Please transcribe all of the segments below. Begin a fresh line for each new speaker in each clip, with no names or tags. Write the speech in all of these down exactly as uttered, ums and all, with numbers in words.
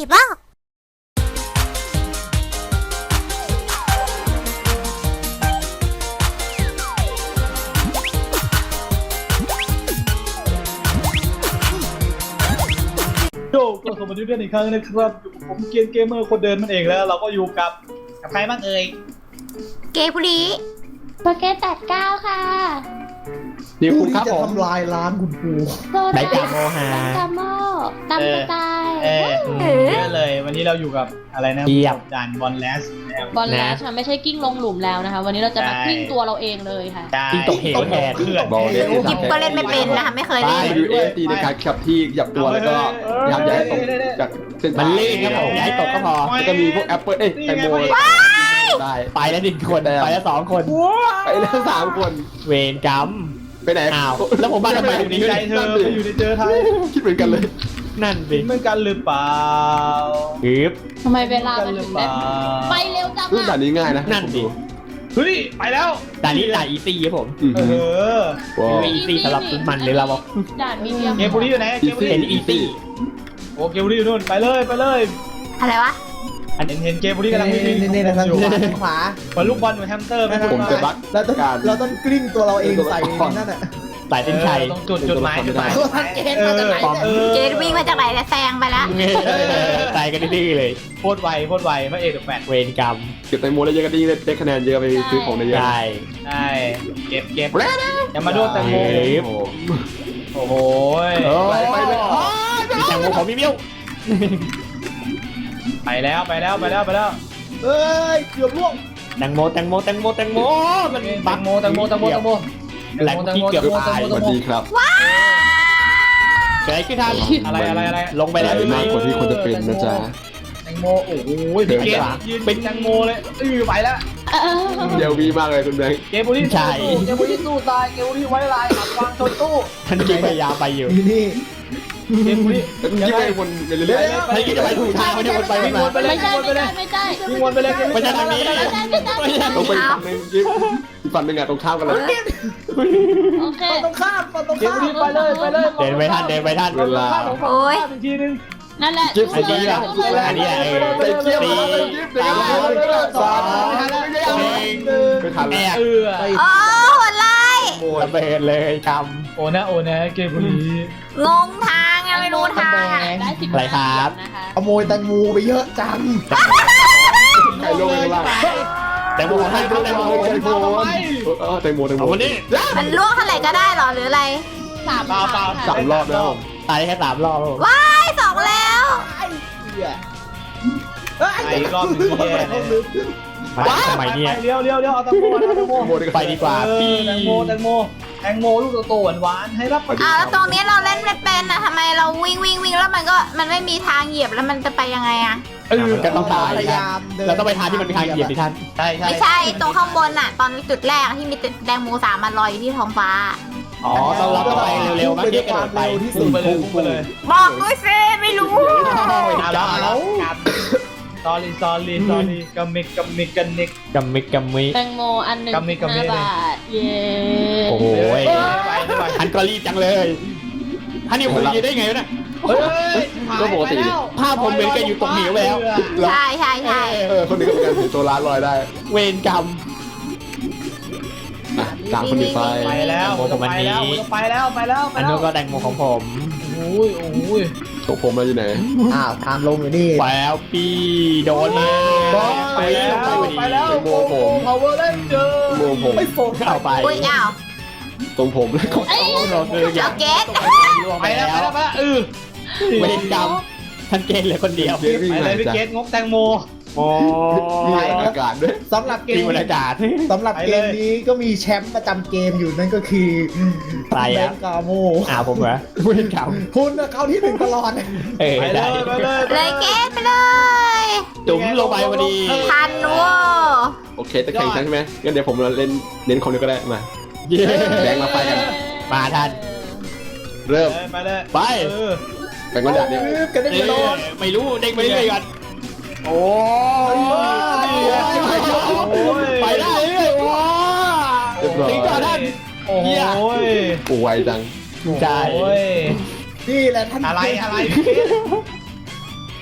บ้า
โยก็สวัสดีเพื่อนอีกครั้งนะครับผมเกียนเกมเมอร์คนเดินมันเองแล้วเราก็อยู่กับกับใครบ้างเอ่ย
เกย์บุรี
โปเกตแปดเก้าค่ะ
นี่คุณครับ
จะ
ผม
ทำลายร้านคุณครู
โซ
ได
ดา
กาโมฮา
ดังกาโมดำกระจาย
เออเยอะเลยวันนี้เราอยู่กับอะไรนะ
เทียบ
ด่านบอลแลสนะครับ
บอลแลชค่ะไม่ใช่กิ้งลงหลุมแล้วนะคะ วันนี้เราจะมา
ใช่
กลิ้งตัวเราเองเลยค่ะ
กิ้งตกเหวแทน
เพื่อน
บอลเล่น
หยิบก็เล่นไม่เป็นนะคะไม่เคย
ไป
เล่น
ดูเอสตีในการขับที่หยับตัวแล้วก็ยับย้ายตกจากเส้นมันลื่นครับผมย้ายตกก็พอแล้วก็มีพวกแอปเปิ้ลเอ้ยแตงโมได้ไปแล้วหนึ่งคนไปแล้วสองคนไปแล้วสามคนเวรกรรมไปไหนอ้าวแล้วผมมาทำไมตรงนี้
ใจเธอไปอยู่ในเจอไทย
คิดเหมือนกันเลย นั่นสิ
เหมือนกันหรือเปล่า
ฮึบ
ทำไมเวลามันถึงได้ไปเร็วจัง
เรื่องด่า
อ่ะ
นนี้ง่ายนะนั่นดิ
เฮ้ยไปแล้ว
ด่านนี้ด่านอีซี่ครับผม
เออ
ไม่อีซี่สำหรับคุณมันเลยเราบอก
ด่านมีเดียม
เกมบุรีอยู่ไหนเกมบุรี
เป็นอีซี่
โอ้เกมบุรีอยู่นู่นไปเลยไปเลย
อะไรวะ
เห็นเห็นเกมบุรีกำลังวิ่งวิ่ง
นี่ๆนะครับ
อยู่
ขวาขวา
เหมือนลูกบอลเหมือนแฮมสเตอร์ไหมครับ
ผมจะบัก
เราต้อง
การ
เราต้องกลิ้งตัวเราเองใส่นั่นน่ะ
สายเส้นชัย
ตรงจุดจุดหมายจุดหมาย
ตัวทันเกณฑ์มาจากไหนเนี่ย
ออ
เกย์วิ่งมาจากไหนแล้วแซงไปแล้ว
ตายกันดื้อเลย
โคตรไวโคตรไวพระเอกกับแฟน
เวรกรรมเก็บแตงโมได้เยอะก็ดีได้คะแนนเยอะไปซื้อของได้เยอะใช่
ใช่เก็บเก็บอย่ามาโดนแตงโมโอ้โห
ไปไปเลยมีแตงโมของพี่มิ้ว
ไปแล้วไปแล้วไปแล้วไปแล้ว
เอ้ยเกือบล่วง
แตงโมแตงโมแตงโมแตงโมมัน
แตงโมแตงโมแตงโมแตงโม
แหลกที่เกือบตายสวัสดีครับเกิดอะไรขึ้นท่าน
อะไรอะไรอะไร
ลงไปแล้วมากกว่าที่ควรจะเป็นนะจ๊ะ
แตงโมโอ้โหพี่เกมยืนเป็นแตงโมเลยอือไปแล้ว
เออ
เดี๋ยววีมากเลยคุณแบงค์
เกมบุรีใช่เกมบุรีสู้ตายเกมบุรีไว้ลายขับวางชนตู้
ท่านจริงพยายามไปอยู่
นี่นี่
เกมบุรี
แล้วคุณยิ่งไปวนไปเรื่อยๆท่านยิ่งจะไปถูกทางไม่ได้วนไปวนมา
ไม่ใช่ไม่ใช่ไม่ใช่
วิ่งวนไปเลย
ไม่ใช่ทางนี้
ไม่ใช่ไม่ใช่
ไม่ใช่ลงไปฝั่งนึงยิ่งอีกฝั่งนึงอะตรงข้ามกันเลย
โอเค
ตรงข้ามตรง
เกม
ข้าม
บุรีไปเลยไปเลย
เดินไปท่านเดินไปท่านเวลา
โอ้ย
อีกทีนึง
นั่นแหละ
จิ๊บอันนี้แหละอันนี้แหละเออ
ไปเที่ยว
สี่
สาม
สองไม่ทันแล้ว
เออ
โอ้โหดไล่
ระเบิดเลยก
โอ้นะโอ้นะเกมบุรี
งงทางอะไม่รู้ทาง
ได้สิบ
อะไรครับ
นะคะ
ขโมยแตงโมไปเยอะจัง
ำใครลงไปล่างแตงโมของท่านแตงโมแตงโมเออแตงโมแตงโมวันนี้
มันล่วงเท่าไหร่ก็ได้เหรอหรืออะไร
สาม
เปล่าเปล่า
สามรอบแล้วตายแค่สามรอบ
ว้ายสองแล้ว
ไอ้รอบนึงแย่เลย
มาทำไมเนี่ย
เลี้ยวเลี้ยวเลี้ยวเอาแตงโมเอาแตงโม
ไปดีกว่า
แตงโมแตงโมแตงโมลูกโตๆหวานๆให้รับประทา
อ้าวน แล้วตรงนี้เราเล่นไม่เป็นอะทำไมเราวิ่งวิ่งวิ่งแล้วมันก็มันไม่มีทางเหยียบแล้วมันจะไปยังไงอะ
เออ
ก็ต้องตาย
พยายามเดิน
เราต้องไปทางที่มันมีทางเหยียบดิท่าน
ใช่ใช่
ไม่ใช่ตรงข้างบนอะตอนจุดแรกที่มีแตงโมสามมันลอยอยู่ที่ท้องฟ้า
อ๋อต้องเราต้องไปเร็วๆมั้งเรียกกระโดดไป
พุ่งไปเลยพุ่งไปเลย
บอกด้วยสิไม่รู้
เอาแล้วเอาแล้วกับ sorry sorry sorry กัมมิกกัมมิกกันนิก
กัมมิกัมมิ
แตงโมอันหนึ่ง
กำมิกำมิ
ห้าบาทเย้
โอ้โห
ไปไป
ท่านก็รีบจังเลยท่านนี่คุยได้ไงวะเนี่ย
เฮ้ย
ก็ปกติภาพผมเหมือนกันอยู่ตรงเหวแล้ว
ใช่ใช่ใช่
เออคนนี้ก็เป็นการถือตัวร้านลอยได้ เวรกรรมตามคนนี้ไป
ไปแล้ว
ผมผมอันนี้
ไปแล้วไปแล้วไป
อัน
แล้ว
นู้นก็แตงโมของผม
โอ้ยโอ้ย
ตกผมมาอยู่ไหน
อ้าวทางลงอยู่นี่
ไปแล้วปีโดนมา
ไปแล้วไปแล้ว
โมผม
พาวเวอร์เลนเจอร์
โมผม
ไม่โฟกัส
เข้าไป
อุ้ยอ้าว
ตรงผมแล้วก็เราคืออ
เจ้า
ย่าง
เกต
ไปแล้วไปแล้วไปแล้วเออ
เวรกรรมท่านเกณฑ์เหลือคนเดียว
ไปเลยพี่เกตงบแตงโม
โอ้ยอากาศด้วย
สำหรับเก
มี
ม
บรรยากาศ
สำหรับเกมนี้ก็มีแชมป์ประจำเกมอยู่นั่นก็คือ
ใครอะ
เบนกาโม
อ่าผมเหรอเวรกรรม
คุณน่ะเขาที่หนึ่งตลอด
เออ
ไปเล
ได้
ยไปเลย
เลยเกตไปเลย
จุ๋มลงไปพอดี
ทันวัว
โอเคจะแข่งใช่ไหมงั้นเดี๋ยวผมเล่นเน้นคอมนี้ก็ได้มาแบงค์มาไฟกันมาท่านเริ่ม
ไปเลย
ไป
เออ
แบงค์มาดัดเนี่ย
กันได้ตลอด
ไม่รู้เด้งไปเรื่อยๆกันโอ้ยไปได้เรื่อยว้าถึงก่อนท่าน
โอ้ย
ป่วยจังใช่
โอ้ย
นี่แหละท่าน
อะไรอะไร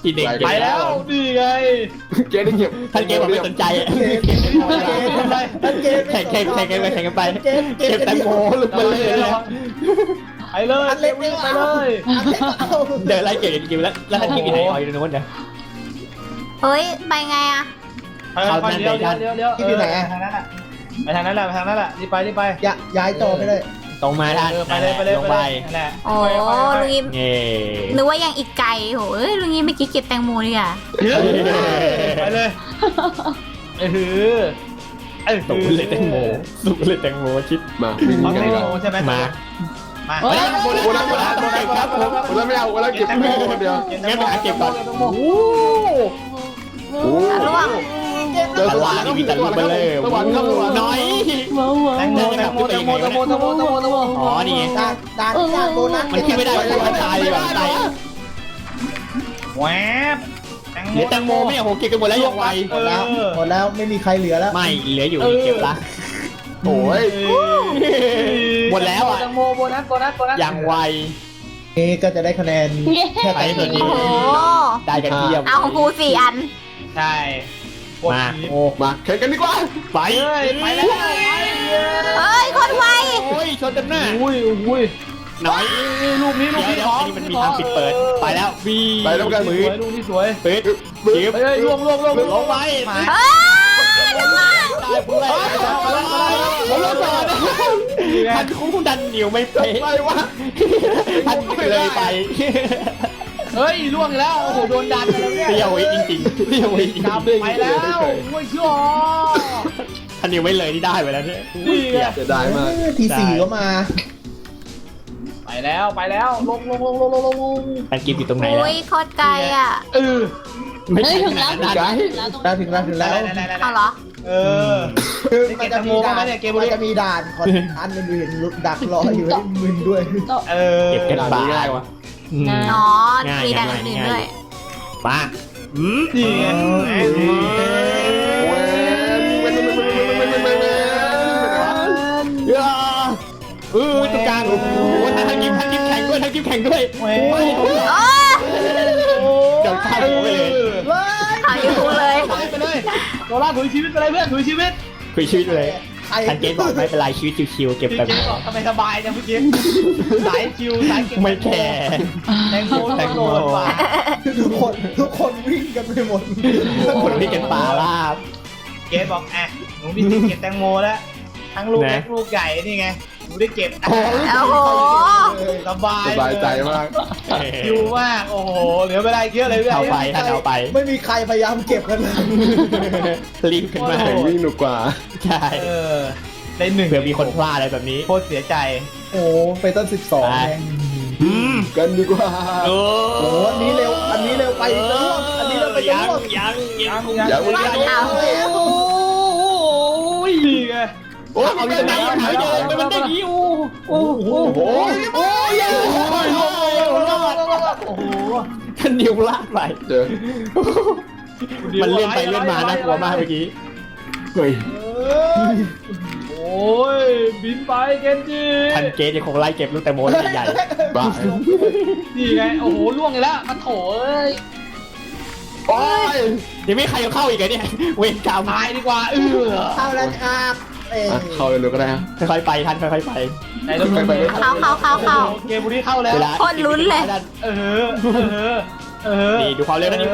กินเอง
ไปแล้วนี่ไง
เกมได้เก็บท่านเกมบอกไม่สนใจอ่ะ
เกมเกมทำไรนั่นเกม
แข่งแข่งแข่งกันไปแข่งกันไป
เกมเกม
เก็บแตงโมลุกมาเลย
ไปเลย
อันเล็ก
ไป
ไป
เล
เลย ยอันเล็กเอา
เดินไล่เก็บกินแล้วแล้วท่านเกมอยู่ไหนอ๋ออยู่ตรงนู้นเดี๋ยว
เฮ้ยไปไงอะ
ไปเลี้ยวเลี้ยวเลี้ยวเลี้ยวทางนั้นแหละไปทางนั้นแหละไปทางนั้นแหละรีบไปรีบไป
อย่าย้ายต่อไปเลย
ตรงมาท่าน
ไปเลยไปเลย
ลง
ไป
ไป
นั่นแหละ
โอ้ลุงยิ้ม
เง่
นึกว่ายังอีกไกลโหเอ้ยลุงยิ้มเมื่อกี้เก็บแตงโมดีอ่ะ
ไปเลยเออเออ
สูงเลยแตงโมสูงเลยแตงโมชิดมาวิ่ง
เอา
กัน
แต
ดี
ง
กว่า
โมใช่ไหม
มา
มา
เฮ้ย
โบนัสโบนัสโบนัสเก็บครับผมโบนัสไม่เอาโบนัสเก็บแตงโมคนเดียวงั้นไปหาเก็บก่อนโอ้โห
อ่ะล่วง
เจอสว่านก็มีแต่ลูกเบลเลอร์สว่านครับสว่านน้อย
ว้าวว้าว
แตงโมแตงโมแตงโมแตงโมแตงโมแตงโมแตงโม
อ๋อนี่ไง
ด่านด่านด่านโบนัส
มันขึ้นไม่ได้เพราะมันตายอยู่ตาย
แหวบ
เหลือแตงโมไม่เอาผมเก็บกันหมดแล้วยังไว
หมดแล้วหมดแล้วไม่มีใครเหลือแล้ว
ไม่เหลืออยู่เก็บละโอ้ยหมดแล้วอ่ะ
แตงโมโบนัสโบนัสโบนัส
ยังไว
นี่ก็จะได้คะแนนแค่
ไป
ตั
ตัวนี้
โอ้โห
ได้กันเทียม
เอาของกูสี่อัน
ใช่
มาโอ้มาแข่งกันดีกว่าไป
ไปแล้ว
เอ้ยคนไว
โอ้ยชนกันหน้า
อุ้ยอุ้ย
น้อย
ลูกนี้ลูก
เดี๋ยว
นี้
เดี๋ยว
ของ
นี่มันมีทางปิดเปิดไปแล้ววี
ไปแล้วกันมือลูกนี้สวย
ปิดจีบ
เฮ้ยล่วงล่วงล่วง
ลงไป
เอ้ยล่วง
ตายผู้ไล่ผมรอก่อนทันคู่ดันเหนียวไม่เป๊ะไปวะทันเลยไป
เฮ้ยล่วงแล้วโอ้โหโดนดันแล้วเนี่ย
เปรี้ยวจริงๆเปรี้ยวจริง
กลับไปแล้วโอ้ยชั่ว
ทันเหนียวไม่เลยที่ได้ไปแล้วเนี่ย
นี่ไง
จะได้มาก
ทีสี่ก็มา
ไปแล้วไปแล้วลงลงลงลงลงลง
ทันกินอยู่ตรงไหนแล้ว
อุ้ยโคตรไกลอ่ะ
เออ
ไม่
เฮ้ย
ใช่
ถึง
ข
แล้
นาว ดนั้น
ถึงแล้วตรง
ได้ถึงแล้วถึงแล้ว
เอาเหรอ
เออ
คือมันจะมีด่านมันจะมีด่านของอันอื่นๆดักรออยู่ให้มึนด้วย
เออ
เก็บกันบาง่ายวะ
อ๋อมีดันอื่นๆด้วย
มาอืม
นี่ไง
เออตรงกลางโอ้โหทั้งกิมทั้งกิมแข่งด้วยทั้งกิมแข่งด้วย
เว้ย
โอ้
เดี๋ยวข้าวไปเลย
เอาอยู่เลย
ไปเลยโดล่าถุยชีวิตไปเลยเพื่อนถุยชีวิต
คุยชีวิตเลยทันเกมบอกไม่เป็นไรชีวิตชิวๆเก็บ
จ
แบบ
ริงๆบอกทำไมสบายจังเมื่อกี้สายชิวสายเก็บ
ไม่แคร์
แตงโมแตงโมว่ะ
ทุกคนทุกคนวิ่งกันไปหมด
คนที่กันป่าลาบ
เกดบอกอ่ะหนูมีสิทธิ์เก็บแตงโมแล้วทั้งลูกเล็กลูกใหญ่นี่ไงหนูได้เก็บ
โอ้โห
สบาย
สบายใจมาก
ชิวมากโอ้โหเหลือเวลาเยอะเลย
เอาไปท่านเอาไป
ไม่มีใครพยายามเก็บกันเลย
รีบขึ้นมาวิ่งหนุกกว่าใช่
เออได้หนึ่ง
เผื่อมีคนพลาดอะไรแบบนี้
โคตรเสียใจ
โอ้ไปต้นสิบสอง
กันดีกว่าโอ้
โอ้อันนี้เร็วอันนี้เร็วไปจะล่วงอันนี้เร็วไปจะ
ยัง
ล่วง
ยังยัง
ยัง
ยัง
เอา
โอ้ย
นี่ไง
โอ้ยเอาที่ไหนหายเลยมันได้ยี่โอ้โอ้โหโอ้ยโอ้ยโอ้โหท่านนิวลากไปเจอมันเลื่อนไปเลื่อนมาน่ากลัวมากเมื่อกี้เฮ้ย
โอ้ยบินไปเกนจิ
ทันเกตยังคงไล่เก็บลูกแตงโมใหญ่ๆบ้า
นี่ไงโอ้โหล่วงเลยละมันโถเอ้ย
โอ้ยยังไม่ใครเข้าอีกเนี่ยเวรกรรม
ตายดีกว่าเออ
เข้าแล้วครับเอ้ย
เข้าเร็วๆก็ได้ค่อยๆไปทันค่อยๆไป
ไหนเราไป
เข้าเข้าเข้าเข้า
เกมบุรีเข้าแล้ว
โคตรลุ้นเลย
เออเออเออ
นี่ดูความเร็วนะนี่โอ้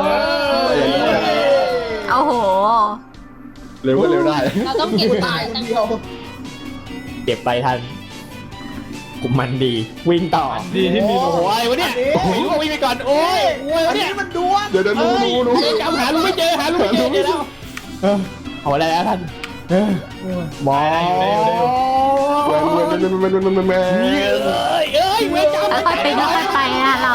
โอ้โห
เร็วก็เร็วได้
เราต้องเก็บ
ตา
ตาย ย
คน
ตั้ง
เดียว
เก็บไปทันผมมันดีวิ่งต่อ
ดีที่มี
โอ้โหอะไรวะเนี่ยโอ้โหวิ่งไปก่อนโอ้ยโอ้ย
อัน
เนี่
นี้
ย
มันดวง
เดี๋ยวเดี๋ยวรู้รู้รู้จำหารู้ไม่เจอหารู้ไม่เจอเดี๋ยวแล้วเออเอาอะไรแล้วท่านเออมองเว้ยเว้ยเว้ยเว้ยเว้ยเว้ยเว้ยเว้ยเอ้ยเอ้ยเว้ยจำ
ค่อยๆไปค่อยๆไปนะเรา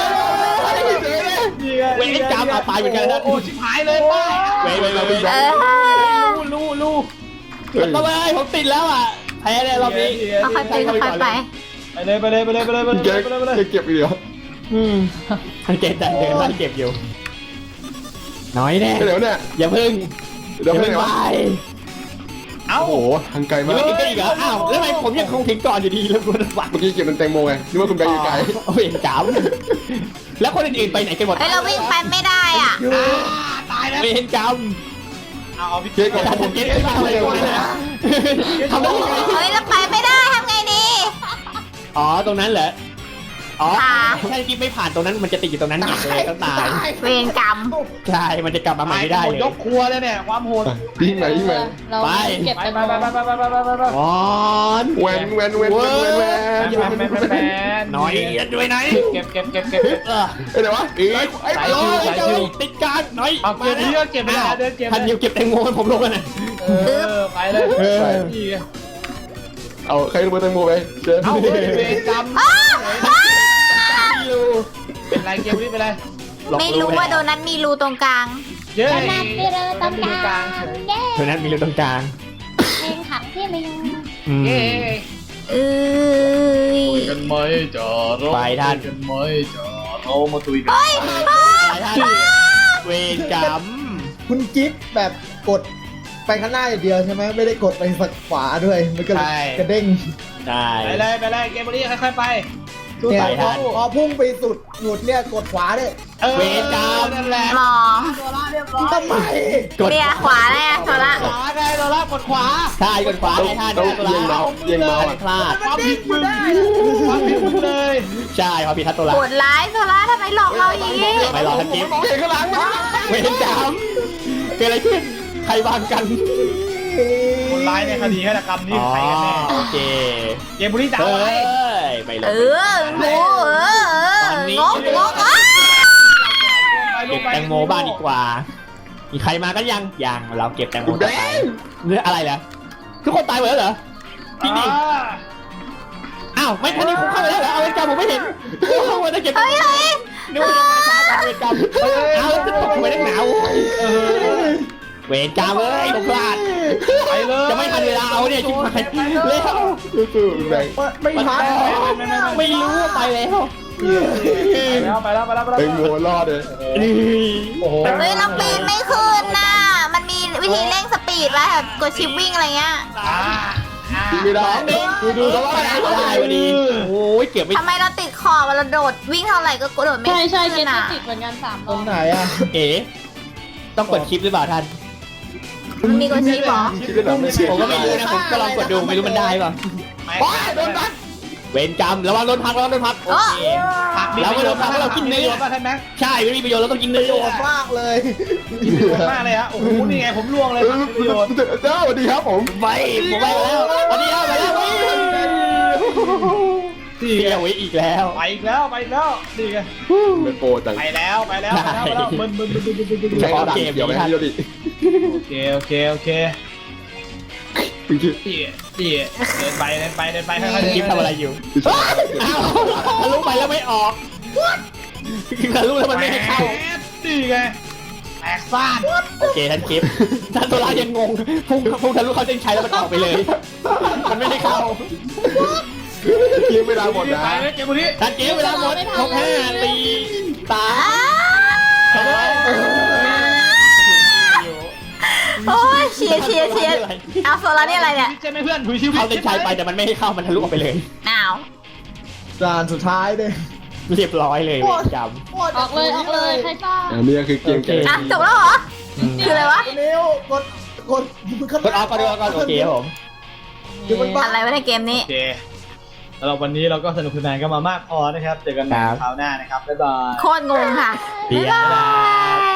เว้ยจำเอาไปเหมือนกันนะ
โอ้ชิบหายเลยป้า
เว้ยเว้ยเว้ยเว้ย
เออ
รู้รู้รู้ไปผมติดแล้วอ่ะแพ้เลยรอบนี้
ค่อยๆไปค่อยๆไป
ไปเลยไปเลยไปเลยไปเลยไปเลยไปเลยไปเลย
เก็บอีกเหรออืมเก็บแต่เดินไล่เก็บอยู่น้อยแน่เดี๋ยวเนี่ยอย่าพึ่งเดี๋ยวพึ่งไป
เอ้า
โอ้โหทางไกลมากไม่ถึงกันอีกเหรออ้าวแล้วทำไมผมยังคงถึงก่อนอยู่ดีแล้วคุณฝักเมื่อกี้เก็บเป็นแตงโมไงนึกว่าคุณไปไกลโอ้ยจ๋าแล้วคนอื่นๆไปไหนกันหมด
เฮ้ยเราวิ่งไปไม่ได้อ่ะ
ตายแล้ว
ไม่เห็นจ
เอาเอาพี่
ำ
เค้ก
ก
ก่
ด
อน
ทำเก็บไม่ได้เลยทำได้ยังไง
เฮ้ยเราไปไม่ได้ทำไงดี
อ๋อตรงนั้นเหรออ๋อ
ค่ะ
ถ้ากิ๊บไม่ผ่านตรงนั้นมันจะติดอยู่ตรงนั้นเลยต้องตาย
เวรกรรม
ใช่มันจะกลับมาใหม่ไม่ได้
หม
เลย
ยกครัวเลยเนี่ยความโหด
ยิ่งไหนยิ่งไหน
เรา
ไป
เก็บ
ไป
แตง
ไป
โม
ไปไปไปไปไปไป
อ๋อ
แวนแวนแวนแวนแวนแวน
แมนแมนแมน
น้อยด้วยไหน
เก็บเก็บเก็บเก็บ
เออเดี๋ยววะไอ้ไอ้ร้อยติดการน้อย
เอาเก็บนี้ก็เก็บไม่ได้เดินเก็บ
ทันเดียวเก็บแตงโมผมลงกันนะ
เออไปเลยนี่
เอาใครลงมาแตงโมไปเชิญ
เอาเวรกรรม
อ้าอ้า
เป็นไรเกมนี้เป็นไร
ไม่รู้ว่าโดนัทมีรูตรงกลาง
เย้
ขนาดที่เราต้องการเย้
เท่านั้นมีรูตรงกลาง
เพลงขังที่ไม่ยอม
เย้
เอ้ย
ตุยกันไหมจอดรถกันไหมจอดเอามาตุยกัน
เฮ้ย
เวรกรรม
คุณจิ๊บแบบกดไปข้างหน้าอย่างเดียวใช่ไหมไม่ได้กดไปฝั่งขวาด้วยมันก็เลยกระเด้ง
ใช่
ไปเลยไปเลยเกมนี้ค่อยๆไป
เนี่ยพอพอพุ่งไปสุดหยุดเนี่ยกดขวาเนี่ย
เวรกรรม
นั่นแหละ
มอง
ทำไม
กด
เรียขวาเลยอะโซละ
ขวาไงเราลากกดขวา
ใช่กดขวาได้ท่านต้องเอียงเมาส์เอียงเมาส์พลาด
ความผิดมึงความผิดมึงเลย
ใช่ความผิดทัดตัวละ
ปวดร้ายโซละทำไมหลอกเราอย่างนี้
ไม่รอทันทีมองเห็นข้างหลังเวรกรรมเกิดอะไรขึ้นใครวางกัน
คนร้ายในคดีฆาตกรรมนี่ใครกันแน่
โอเค
เกมบุรีจ้า
เฮ้
ไว้
ยไปเล
เอย องูเออเอองกงกอ้า
เก็บแตงโมบ้างดีกว่า มีใครมากันยังยังเราเก็บแตงโมต่อไปเนื้ออะไรล่ะทุกคนตายหมดแล้วเหรอจริงดิอ้าวไม่ทันนี้ผมเข้าไปแล้วเหรอเอาเวรกรรมผมไม่เห็นโอ้โหจะเก็บ
เฮ้ยเฮ้ย
นึกว่าจะมาช้ากว่าเวรกรรมเอาแล้วจะตกไปนักหนาวเวรกรรมเอ้ยผมพลาด
ไปเลย
จะไม่ทันเวลาเอาเนี่ยชิบหายเร็ว
ไม่ทัน
ไม่รู้ว่าไปแล้ว
ไปแล้วไปแล้วไปแล้วไปแล้ว
เป็นโมรอดเลยนี่
โอ้โห
เฮ้ยเราปีนไม่ขึ้นน่ะมันมีวิธีเร่งสปีดไว้แบบกดชิปวิ่งอะไรเงี้ย
อ่า
ไม่ได้ดูดูเขาไปได้พอดีโอ้ยเก็บไม่
ทำไมเราติดขอบเราโดดวิ่งเท่าไหร่ก็กระโดดไม่
ใช่ใช่เก
ขึ้
ม
นอ่ะ
ติดเหมือนกันสาม
ตรงไหนอ่ะ
เอ๋ต้องกดชิปหรือเปล่าท่าน
มันมีกดชิปเหรอ
ผมก็ไม่รู้นะผมก็ลองกดดูไม่รู้มันได้ป่ะ
โดนพัก
เวรกรรมระวังโดนพักระวังโดนพักโอเค เราไม่โดนพักเรากินเนื้อ
ป่ะท่านแม็ก
ใช่ไม่มีประโยชน์เราต้องกินเนื้อ
โดดมากเลย
กินประโยชน์มากเลยฮะโอ้โหนี่ไงผมล่วงเลยประโยชน์
เจ้าสวัสดีครับผมไปผมไปแล้วสวัสดีครับไปแล้ว
นี่
เสียไว้อีกแล้ว
ไปอีกแล้วไปอีกแล้วนี่ไง
เป็นโปรจัง
ไปแล้วไปแล้วไปแล้วไปแล้วมึนมึนมึนมึนมึนมึน
เฉพาะเกมเดี๋ยวไม่ให้โยดิ
โอเคโอเคโอเคพี่พี่เดินไปเดินไปเดินไปค่อยๆ
คลิปทำอะไรอยู่อ้าวทะลุไปแล้วไม่ออกทะลุแล้วมันไม่ให้เข้า
นี่ไงแตกซ่าน
โอเคท่านคลิปท่านโซล่ายังงงพุ่งพุ่งทะลุเข้าเส้นชัยแล้วมันออกไปเลย มันไม่ได้เข้าคลิปเวลาหมดนะ
ไปเลยเกมบุรี
ท่านคลิปเวลาหมดหกห้าตีสาม
โอ้ยเชียร์เชียร์เชียร์เอาโซล่านี่อะไรเนี่ย
ใช่ไหมเพื่อนถุยชีวิต
เข้าเส้นชัยไปแต่มันไม่ให้เข้ามันทะลุออกไปเลย
หนาว
ด่านสุดท้ายเลย
เรียบร้อยเลยเวรกรรม
ออกเลยออกเลยใครทราบ
อันนี้คือเกมเกม
อ่ะจบแล้วเหรอ คืออะไรวะ
เร็วกดกด
กดออกก็ดูก่อนโอเคครับผม
อยู่บนบ้าน
อะไรวะในเกมนี้
โอเคสำหรับวันนี้เราก็สนุกสนานกันมามากพอนะครับเจอกันใหม่คราวหน้านะครับบ๊ายบาย
โคตรงงค่ะ
เดี๋ยว
บ๊ายบาย